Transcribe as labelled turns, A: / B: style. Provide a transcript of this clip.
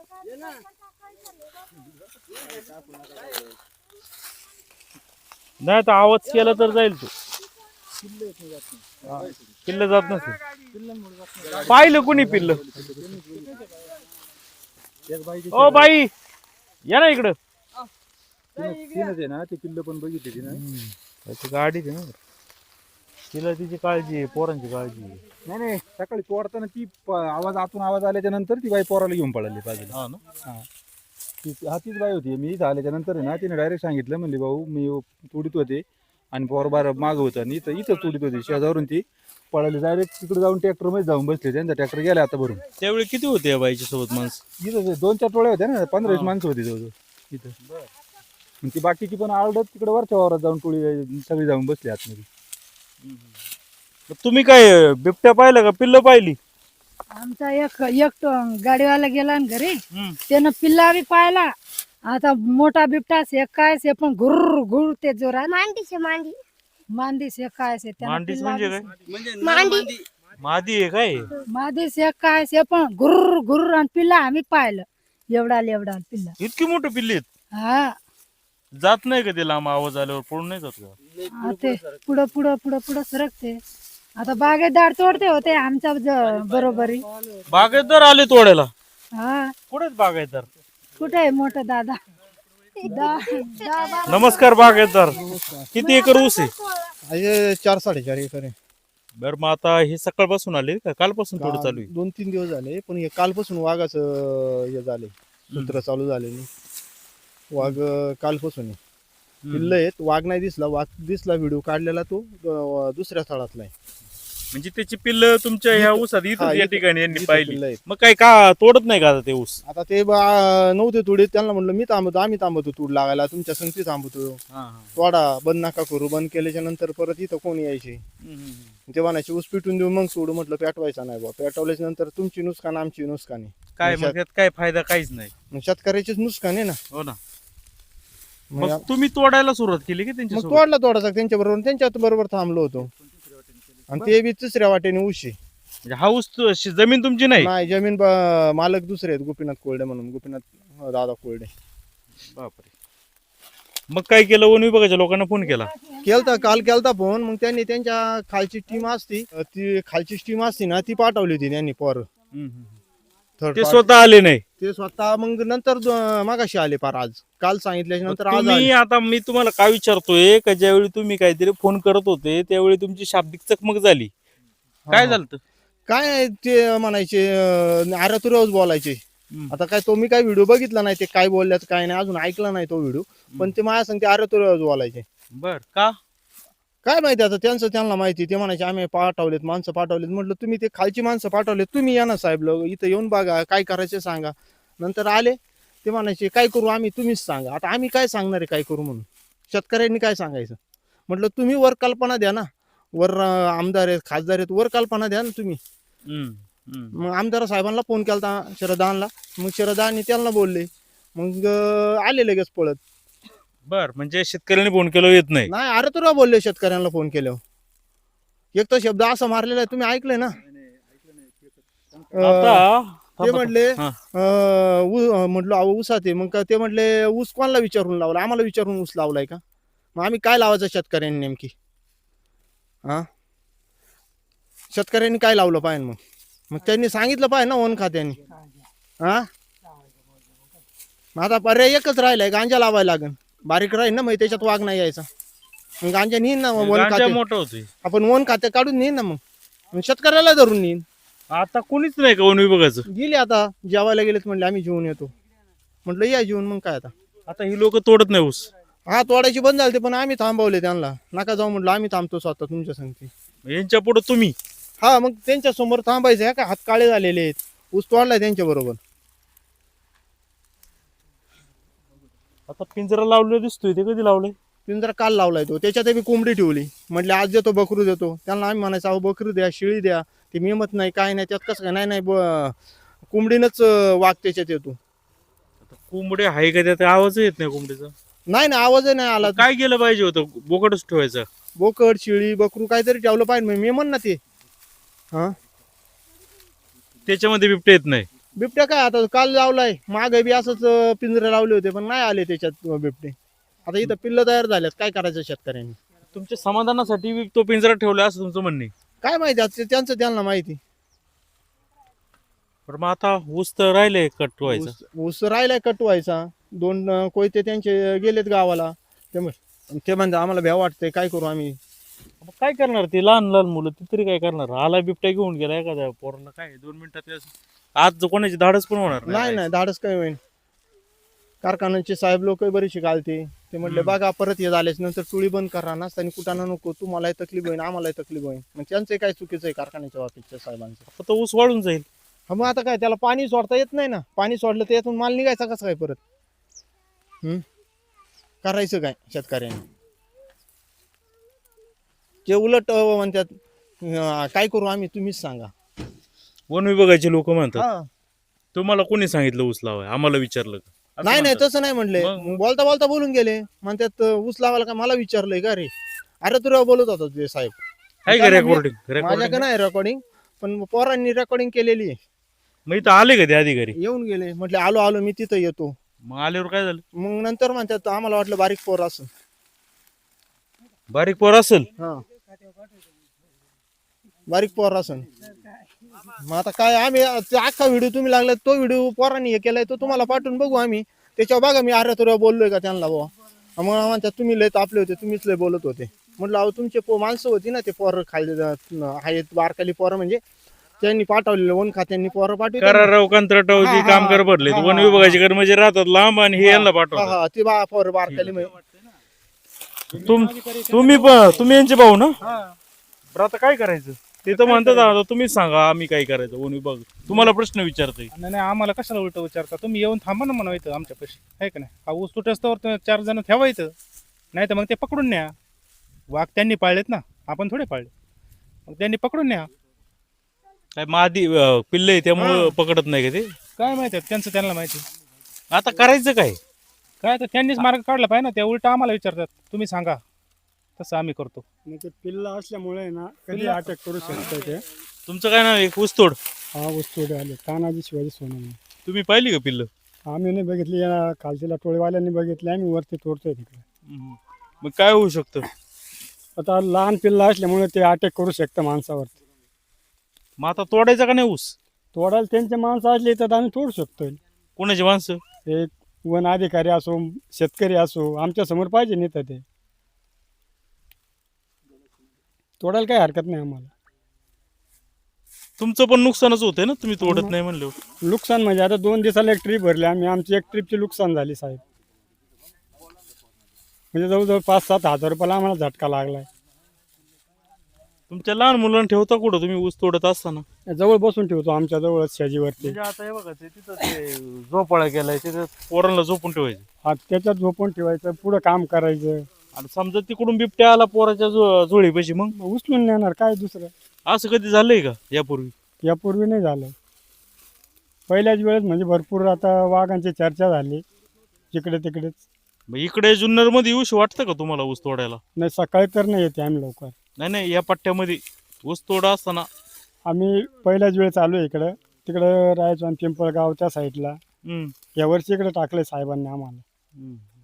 A: नाही तर आवाज केला तर जाईल तू. पिल्ल जात नसेल. पाहिलं कुणी पिल्ल? ओ बाई या ना इकडं.
B: ना ते पिल्ल पण बघितली ना
A: गाडी ना तिला तिची काळजी आहे, पोरांची काळजी आहे.
B: नाही नाही सकाळी पोरताना ती आवाज आतून आवाज आल्याच्या नंतर ती बाई पोराला घेऊन पळाली बाजूला.
A: हा ना.
B: तीच बाई होती. मी इथं आल्याच्या नंतर आहे ना तिने डायरेक्ट सांगितलं म्हणली भाऊ मी तुडीत होते आणि पोर बार माग होतं आणि इथं तुडीत होती. शेजारून ती पळाली डायरेक्ट तिकडे जाऊन ट्रॅक्टर मध्ये जाऊन बसले. त्यांचा ट्रॅक्टर गेला आता भरून.
A: त्यावेळी किती होते या बाईच्या सोबत माणसं?
B: इथं 2-4 टोळ्या होत्या ना, 15-20 माणसं होती जवळजवळ इथं. आणि ती बाकीची पण आळडत तिकडे वरच्या वावरात जाऊन टोळी सगळी जाऊन बसली आतमध्ये.
A: तुम्ही काय बिबट्या पाहिलं का पिल्ल पाहिली?
C: आमचा एक गाडीवाला गेला ना घरी, त्यानं पिल्ला बी पाहिला. आता मोठा बिबटा काय से पण घुर घुर ते जोरात मांदी से काय से
A: मांडीच म्हणजे काय? मादी आहे काय?
C: मादी से काय से पण घुर घुर आणि पिल्ला आम्ही पाहिलं. एवढा पिल्ला.
A: इतकी मोठी पिल्ली आहेत?
C: हा
A: जात नाही का ते लांब आवाज आल्यावर पळून नाही जात का?
C: ते पुढं पुढं पुढं पुढं सरकते. आता बागेदार तोडते होते आमच्या बरोबरी.
A: बागायतदार आले तोडायला?
C: हा
A: कुठेच बागायतदार?
C: कुठे आहे मोठा दादा?
A: नमस्कार बागायतदार. किती एकर ऊस आहे?
D: 4-4.5 एकर आहे.
A: बर मग आता हे सकाळपासून आले का कालपासून थोडं चालू आहे?
D: 2-3 दिवस झाले पण हे कालपासून वाघाचं हे झाले सूत्र चालू झालेली. वाघ कालपासून आहे. पिल्ल आहेत. वाघ नाही दिसला. वाघ दिसला व्हिडिओ काढलेला तो दुसऱ्या स्थळातला आहे.
A: म्हणजे त्याची पिल्ल तुमच्या ह्या ऊसात इथं या ठिकाणी यांनी
D: इथं
A: पाहिली.
D: पिल्लं आहेत.
A: मग काय का तोडत नाही का आता ते ऊस?
D: आता ते नव्हते तुडे. त्यांना म्हणलं मी थांबतो, आम्ही थांबतो तूड लागायला, तुमच्या संगती थांबतो. तोडा बंद नका करू. बंद केल्याच्या नंतर परत इथं कोणी यायचे ते म्हणायचे ऊस पिटून देऊ मग सोडू. म्हटलं पेटवायचा नाही बा. पेटवल्याच्या नंतर तुमची नुकसान आमची नुकसान आहे.
A: काय मग त्यात काय फायदा? काहीच नाही.
D: शेतकऱ्याचीच नुकसान आहे ना.
A: हो ना. मग तुम्ही तोडायला सुरुवात केली की त्यांच्या
D: मग तोडला थोडासा त्यांच्या बरोबर. त्यांच्या बरोबर थांबलो होतो. आणि ते बी तिसऱ्या वाटेने ऊस आहे.
A: म्हणजे हा ऊस जमीन तुमची नाही?
D: नाही जमीन मालक दुसरे आहेत. गोपीनाथ कोरडे म्हणून. गोपीनाथ दादा कोरडे.
A: बापरे. मग काय केलं? वन विभागाच्या लोकांना फोन केला?
D: काल केलता फोन. मग त्यांनी त्यांच्या खालची टीम असती, ती खालची टीम असती ना, ती पाठवली होती त्यांनी पोर.
A: ते स्वतः आले नाही?
D: ते स्वतः मग नंतर मागाशी आले पार. आज काल सांगितल्याच्या नंतर आज
A: तुम्ही आता मी तुम्हाला काय विचारतोय का ज्यावेळी तुम्ही काहीतरी फोन करत होते त्यावेळी तुमची शाब्दिक चकमक झाली, काय झालं?
D: काय ते म्हणायचे आरतुरच बोलायचे. आता काय तो मी काय व्हिडिओ बघितला नाही ते काय बोलल्यात काय नाही, अजून ऐकला नाही तो व्हिडिओ. पण ते माझ्या सांगते आरतुरच बोलायचे.
A: बर का?
D: काय माहिती आता त्यांचं त्यांना माहिती. ते म्हणायचे आम्ही पाठवलेत, माणसं पाठवलेत. म्हटलं तुम्ही ते खालची माणसं पाठवलेत, तुम्ही या ना साहेब लोक इथं येऊन बघा काय करायचं सांगा. नंतर आले ते म्हणायचे काय करू आम्ही, तुम्हीच सांगा. आता आम्ही काय सांगणार आहे काय करू म्हणून? शेतकऱ्यांनी काय सांगायचं? म्हटलं तुम्ही वर कल्पना द्या ना. वर आमदार आहेत, खासदार आहेत, वर कल्पना द्या ना तुम्ही. मग आमदार साहेबांना फोन केला शरदानला. मग शरदानी त्यांना बोलले. मग आले लगेच पळत.
A: बर म्हणजे शेतकऱ्यांनी फोन केलं येत नाही?
D: नाही अरे तुला बोलले शेतकऱ्यांना फोन केल्यावर. एक तर शब्द असा मारलेला आहे तुम्ही ऐकले ना. ते म्हटले म्हटलं ऊसात आहे. मग ते म्हटले ऊस कोणाला विचारून लावला? आम्हाला विचारून ऊस लावलाय का? मग आम्ही काय लावायचं शेतकऱ्यांनी नेमकी? हा शेतकऱ्यांनी काय लावलं पाहिजे? मग त्यांनी सांगितलं पाहिजे ना वन खात्याने. हा आता पर्याय एकच राहिलाय, गांजा लावायला लागेल. बारीक राहील ना मग त्याच्यात वाघ नाही यायचा. मग गांजा नेईन ना वन खाते.
A: मोठं होतोय
D: आपण वन खाते काढून नेईन ना. मग शेतकऱ्याला धरून नेईन.
A: आता कोणीच नाही का वन विभागाचं?
D: गेले आता जेवायला गेलेत. म्हणले आम्ही जेवून येतो. म्हटलं या जेवून. मग काय
A: आता ही लोक तोडत नाही ऊस?
D: हा तोडायची बंद झाली पण आम्ही थांबवले त्यांना. नका जाऊ म्हटलं, आम्ही थांबतो स्वतः तुमच्या संगती.
A: यांच्या पुढे तुम्ही?
D: हा मग त्यांच्या समोर थांबायचं का? हात काळे झालेले आहेत. ऊस तोडलाय त्यांच्या बरोबर.
A: आता पिंजरा लावलेला दिसतोय, ते कधी लावलंय?
D: पिंजरा काल लावलाय तो. त्याच्यात बी कोंबडी ठेवली. म्हटले आज देतो बकरू देतो. त्यांना आम्ही म्हणायचं अहो बकरू द्या, शिळी द्या. ते मेमत नाही काय नाही त्यात. कसं काय? नाही नाही कोंबडीनच वाघ त्याच्यात येतो.
A: कोंबडी आहे का त्यात? आवाज येत नाही कोंबडीचा?
D: नाही ना आवाज नाही आला.
A: काय केलं पाहिजे होतं? बोकडच ठेवायचं?
D: बोकड शिळी बकरू काहीतरी ठेवलं पाहिजे. मेमन ना ते. हा
A: त्याच्यामध्ये बिबटे येत नाही?
D: बिबट्या काय आता काल लावलाय मागे बी असंच पिंजरे लावले होते पण नाही आले त्याच्यात बिबटे. आता इथं पिल्ल तयार झाल्यात, काय करायचं शेतकऱ्यांनी?
A: तुमच्या समाधानासाठी तो पिंजरा ठेवला असं तुमचं म्हणणं आहे.
D: काय माहिती आता त्यांचं त्यांना माहिती.
A: पण मग आता ऊस तर राहिले कटवायचं.
D: ऊस राहिलाय कटवायचा. 2 कोयते त्यांचे गेलेत गावाला. ते म्हणतात आम्हाला भ्या वाटतंय, काय करू आम्ही?
A: मग काय करणार ते लहान लहान मुलं, ते तरी काय करणार? आला बिबट्या घेऊन गेला एखाद्या पोराला, काय 2 मिनिटात आज कोणाची धाडस पण होणार
D: नाही धाडस काय होईल. कारखान्याचे साहेब लोक बरीचशी घालते. ते म्हटले बघा परत हे झाल्याच नंतर टोळी बंद करा, नसताना कुठाना नको, तुम्हालाही तकलीफ होईल आम्हालाही तकलीफ होईल. मग त्यांचं काय चुकीचं आहे कारखान्याच्या बाबतीच्या साहेबांचं?
A: आता ऊस वाढून जाईल.
D: हा मग आता काय त्याला पाणी सोडता येत नाही ना. पाणी सोडलं तर यातून माल निघायचा कसं काय परत? करायचं काय शेतकऱ्यांनी? ते उलट म्हणतात काय करू आम्ही, तुम्हीच सांगा.
A: वन विभागाचे लोक म्हणतात
D: हा.
A: तुम्हाला कोणी सांगितलं ऊस लावाय, आम्हाला विचारलं का? असं
D: नाही
A: म्हणतात.
D: तसं नाही म्हणले.
A: मग?
D: बोलता बोलता बोलून गेले. म्हणतात ऊस लावायला का मला विचारलंय का रे? अरे तुला बोलत होता ते साहेब.
A: आहे का
D: त्यांना मी-
A: रेकॉर्डिंग?
D: माझ्याकडे नाही रेकॉर्डिंग, पण पोरांनी रेकॉर्डिंग केलेली आहे.
A: मग इथं आले का ते अधिकारी?
D: येऊन गेले. म्हटले आलो आलो मी तिथं येतो.
A: मग आल्यावर काय झालं?
D: मग नंतर म्हणतात आम्हाला वाटलं बारीक पोर असं.
A: बारीक पोर असेल.
D: हा बारीक पोर असं. मग आता काय आम्ही ते अख्खा व्हिडिओ तुम्ही लागला, तो व्हिडिओ पोरांनी हे केलाय तो तुम्हाला पाठवून बघू आम्ही. त्याच्यावर बघा मी अरे तुला बोललोय का त्यांना बुवा. मग म्हणतात तुम्ही लय तापले होते, तुम्हीच लय बोलत होते. म्हटलं अहो तुमचे माणसं होती ना ते पोरं खाली आहेत बारकाली पोरं, म्हणजे त्यांनी पाठवलेलं वन खात्यांनी पोरं पाठवली.
A: कराराव कंत्राटाव
D: हा,
A: जे
D: हा,
A: कामगार भरले,
D: हा,
A: वन
D: हा,
A: विभागाचे कर्मचारी राहतात लांब आणि हे यांना पाठवतात.
D: हा ते पोरं बारकाली
A: तुम्ही यांचे भाऊ ना? बरं आता काय करायचं? ते तर म्हणतात आता तुम्हीच सांगा आम्ही काय करायचं. वन विभाग तुम्हाला प्रश्न विचारतोय.
E: नाही आम्हाला कशाला उलट विचारता? तुम्ही येऊन थांबा ना म्हणायचं आमच्या पैसे आहे का नाही? हा ऊस तुटस्तावर 4 जण ठेवायचं, नाही तर मग ते पकडून न्या. वाघ त्यांनी पाळलेत ना, आपण थोडे पाळले. मग त्यांनी पकडून न्या.
A: काय मादी पिल्ले त्यामुळं पकडत नाही का ते?
E: काय माहिती त्यांचं त्यांना माहिती.
A: आता करायचं काय?
E: काय तर त्यांनीच मार्ग काढला पाहिजे ना. त्या उलट आम्हाला विचारतात तुम्ही सांगा, तसं आम्ही करतो.
F: ते पिल्ला असल्यामुळे ना कधी
E: पिल्ला-
F: अटॅक करू शकतो ते.
A: तुमचं काय नाव आहे? ऊसतोड.
F: हा वस्तू आले तानाजी शिवाजी सोनवणे.
A: तुम्ही पाहिली का पिल्लं?
F: आम्ही नाही बघितली, या खालच्या टोळीवाल्यांनी बघितली, आम्ही वरती तोडतोय तिकडे.
A: मग काय होऊ शकतं?
F: आता लहान पिल्ला असल्यामुळे ते अटॅक करू शकतं माणसावरती.
A: मग आता तोडायचा का नाही ऊस?
F: तोडायला त्यांचे माणसं असले तर आम्ही तोडू शकतोय.
A: कोणाची माणसं?
F: एक वन अधिकारी असो, शेतकरी असो, आमच्या समोर पाहिजे नाही तर ते तोडायला काही हरकत नाही आम्हाला.
A: तुमचं पण नुकसानच होतंय ना, तुम्ही तोडत नाही म्हणलं.
F: नुकसान म्हणजे आता 2 दिवसाला एक ट्रीप भरली आम्ही, आमची एक ट्रीपची नुकसान झाली साहेब. म्हणजे जवळजवळ 5-7 हजार रुपयाला आम्हाला झटका लागलाय.
A: तुमच्या लहान मुलांना ठेवता कुठं तुम्ही ऊस तोडत असताना?
F: जवळ बसून ठेवतो आमच्या जवळच शेजीवरती.
A: म्हणजे आता हे बघा तिथं ते झोपाळा केलाय, तिथं पोरांना झोपून ठेवायचं
F: हा त्याच्यात झोपून ठेवायचं, पुढं काम करायचं.
A: आणि समजा तिकडून बिबट्या आला पोराच्या जुळीपाशी, मग
F: उचलून नेणार काय दुसरं.
A: असं कधी झालंय का यापूर्वी?
F: यापूर्वी नाही झालं. पहिल्याच वेळेस म्हणजे भरपूर आता वाघांची चर्चा झाली जिकडे तिकडेच.
A: मग इकडे जुन्नर मध्ये येऊशी वाटतं का तुम्हाला ऊस तोडायला?
F: नाही सकाळी तर नाही येते आम्ही लवकर.
A: नाही या पट्ट्यामध्ये ऊस तोडा असताना
F: आम्ही पहिल्याच वेळेस आलो इकडं, तिकडं राहायचो आम्ही पिंपळगावच्या साईडला.
A: हम्म.
F: यावर्षी इकडे टाकले साहेबांनी आम्हाला.